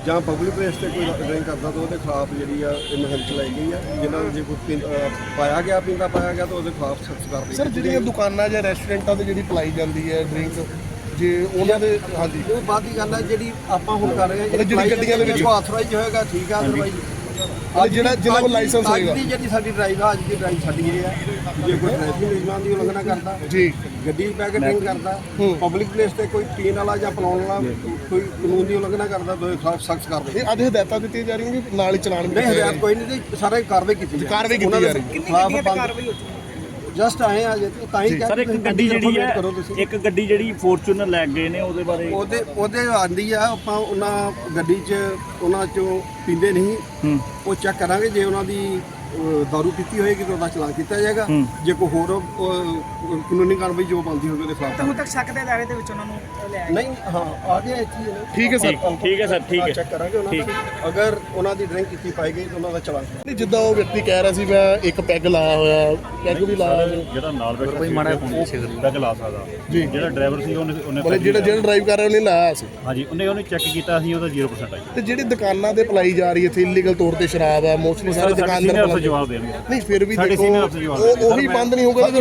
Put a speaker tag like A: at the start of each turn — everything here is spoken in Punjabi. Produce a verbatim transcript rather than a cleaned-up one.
A: ਜਾਂ ਪਬਲਿਕ ਪਲੇਸ ਤੇ ਕੋਈ ਡਰਿੰਕ ਕਰਦਾ ਤਾਂ ਉਹਦੇ ਖਿਲਾਫ ਜਿਹੜੀ ਆ ਇਹ ਮੁਹਿੰਮ ਚਲਾਈ ਗਈ ਆ। ਜਿਹਨਾਂ ਨੂੰ ਜੇ ਕੋਈ ਪੀਂ- ਅਹ ਪਾਇਆ ਗਿਆ ਪੀਂਦਾ ਪਾਇਆ ਗਿਆ ਤਾਂ ਉਹਦੇ ਖਿਲਾਫ ਸਖਤ ਕਾਰਵਾਈ
B: ਸਰ ਜਿਹੜੀਆਂ ਦੁਕਾਨਾਂ ਜਾਂ ਰੈਸਟੋਰੈਂਟਾਂ ਤੇ ਜਿਹੜੀ ਪਲਾਈ ਜਾਂਦੀ ਹੈ ਡਰਿੰਕ, ਜੇ ਉਹਨਾਂ ਦੇ ਹਾਂਜੀ
A: ਉਹ ਬਾਅਦ ਦੀ ਗੱਲ ਹੈ ਜਿਹੜੀ ਆਪਾਂ ਹੁਣ ਕਰ ਰਹੇ ਹਾਂ।
B: ਜਿਹੜੀ ਗੱਡੀਆਂ ਦੇ ਵਿੱਚ
A: ਆਥੋਰਾਈਜ਼ ਹੋਏਗਾ ਠੀਕ ਆ, ਅਦਰਵਾਈਜ਼
B: ਜਿਹੜਾ ਜਿਹਨਾਂ ਕੋਲ ਲਾਇਸੈਂਸ ਹੋਏਗਾ।
A: ਅੱਜ ਦੀ ਜਿਹੜੀ ਸਾਡੀ ਡਰਾਈਵ ਆ, ਅੱਜ ਦੀ ਡਰਾਈਵ ਸਾਡੀ ਇਹ ਆ, ਜੇ ਕੋਈ ਟ੍ਰੈਫਿਕ ਨਿਯਮਾਂ ਦੀ ਉਲੰਘਣਾ ਕਰਦਾ
B: ਜੀ,
A: ਗੱਡੀ ਪੈ ਕੇ ਡਰਿੰਕ ਕਰਦਾ, ਪਬਲਿਕ ਪਲੇਸ ਤੇ ਕੋਈ ਪੀਣ ਵਾਲਾ ਜਾਂ ਪਿਲਾਉਣ ਵਾਲਾ ਕੋਈ ਕਾਨੂੰਨ ਦੀ ਉਲੰਘਣਾ ਕਰਦਾ ਤਾਂ ਉਹਦੇ ਖਿਲਾਫ ਸਖਤ ਕਾਰਵਾਈ।
B: ਇਹ ਅੱਜ ਹਦਾਇਤਾਂ ਦਿੱਤੀਆਂ ਜਾ ਰਹੀਆਂ ਕਿ ਨਾਲ ਹੀ ਚਲਾਨ ਵੀ
A: ਨਹੀਂ, ਹਦਾਇਤ ਕੋਈ ਨਹੀਂ ਜੀ, ਸਾਰੇ ਕਾਰਵਾਈ ਕੀਤੀ ਜਾ
B: ਕਾਰਵਾਈ ਕੀਤੀ ਜਾ ਰਹੀ ਹੈ।
A: ਕਿੰਨੀ ਗੱਡੀਆਂ ਤੇ ਕਾਰਵਾਈ ਹੋ ਚੁੱਕੀ? ਜਸਟ ਆਏ ਆ ਜੇ ਤਾਂ ਹੀ
C: ਸਰ ਇੱਕ ਗੱਡੀ ਜਿਹੜੀ ਹੈ ਇੱਕ ਗੱਡੀ ਜਿਹੜੀ ਫੋਰਚੂਨਰ ਲੈ ਗਏ ਨੇ ਉਹਦੇ ਬਾਰੇ
A: ਉਹਦੇ ਉਹਦੇ ਆਂਦੀ ਆ। ਆਪਾਂ ਉਹਨਾਂ ਗੱਡੀ 'ਚ ਉਹਨਾਂ 'ਚੋਂ ਪੀਂਦੇ ਨਹੀਂ, ਉਹ ਚੈੱਕ ਕਰਾਂਗੇ। ਜੇ ਉਹਨਾਂ ਦੀ ਅਹ, ਦਾਰੂ ਪੀਤੀ ਹੋਏਗੀ ਤਾਂ ਉਹਦਾ ਚਲਾਨ ਕੀਤਾ ਜਾਏਗਾ। ਜੇ ਕੋਈ ਹੋਰ ਅਹ, ਕਾਨੂੰਨੀ ਕਾਰਵਾਈ ਜੋ ਬਣਦੀ ਹੋਵੇ ਉਹਦੇ ਖਿਲਾਫ।
D: ਹੁਣ ਤੱਕ ਸ਼ੱਕ ਦੇ ਦਾਇਰੇ ਦੇ ਵਿੱਚ ਉਹਨਾਂ ਨੂੰ ਲਿਆ
A: ਨਹੀਂ, ਹਾਂ ਆ ਗਿਆ ਇੱਥੇ ਹੀ ਹੈ।
B: ਠੀਕ ਹੈ ਸਰ,
C: ਠੀਕ ਹੈ ਸਰ, ਠੀਕ ਹੈ।
A: ਚੈੱਕ ਕਰਾਂਗੇ ਉਹਨਾਂ ਦਾ, ਅਗਰ ਉਹਨਾਂ ਦੀ ਡਰਿੰਕ ਕੀਤੀ ਪਾਈ ਗਈ ਤਾਂ ਉਹਨਾਂ ਦਾ ਚਲਾਨ।
B: ਨਹੀਂ ਜਿੱਦਾਂ ਉਹ ਵਿਅਕਤੀ ਕਹਿ ਰਿਹਾ ਸੀ ਮੈਂ ਇੱਕ ਪੈਗ ਲਾਇਆ ਹੋਇਆ, ਪੈਗ ਵੀ ਲਾਇਆ ਹੋਇਆ।
C: ਜਿਹੜਾ ਨਾਲ ਬੈਠਾ ਕੋਈ ਮਾੜਾ ਪੈਗ ਲਾ ਸਕਦਾ
B: ਜੀ,
C: ਜਿਹੜਾ ਡਰਾਈਵਰ ਸੀ ਉਹਨੇ ਉਹਨੇ
B: ਮਤਲਬ ਜਿਹੜਾ ਜਿਹੜਾ ਡਰਾਈਵ ਕਰ ਰਿਹਾ ਉਹਨੇ ਲਾਇਆ ਸੀ।
C: ਹਾਂਜੀ, ਉਹਨੇ ਉਹਨੇ ਚੈੱਕ ਕੀਤਾ ਸੀ, ਉਹਦਾ ਜ਼ੀਰੋ ਪਰਸੈਂਟ ਆਈ।
B: ਤੇ ਜਿਹੜੀ ਦੁਕਾਨਾਂ ਤੇ ਪਲਾਈ ਜਾ ਰਹੀ ਇੱਥੇ ਇਲੀਗਲ ਤੌਰ ਤੇ ਸ਼ਰਾਬ ਆ, ਮੋਸਟਲੀ ਸਾਰੇ ਦੁਕਾਨਦਾਰ
C: ਜਵਾਬ ਦੇਣਗੇ।
B: ਨਹੀਂ ਫਿਰ ਵੀ
C: ਸਾਡੇ
B: ਦੇਖੋ
C: senior officer ਜਵਾਬ
B: ਉਹ
C: ਦੇਣਗੇ।
B: ਉਹੀ ਬੰਦ ਨਹੀਂ ਹੋਊਗਾ।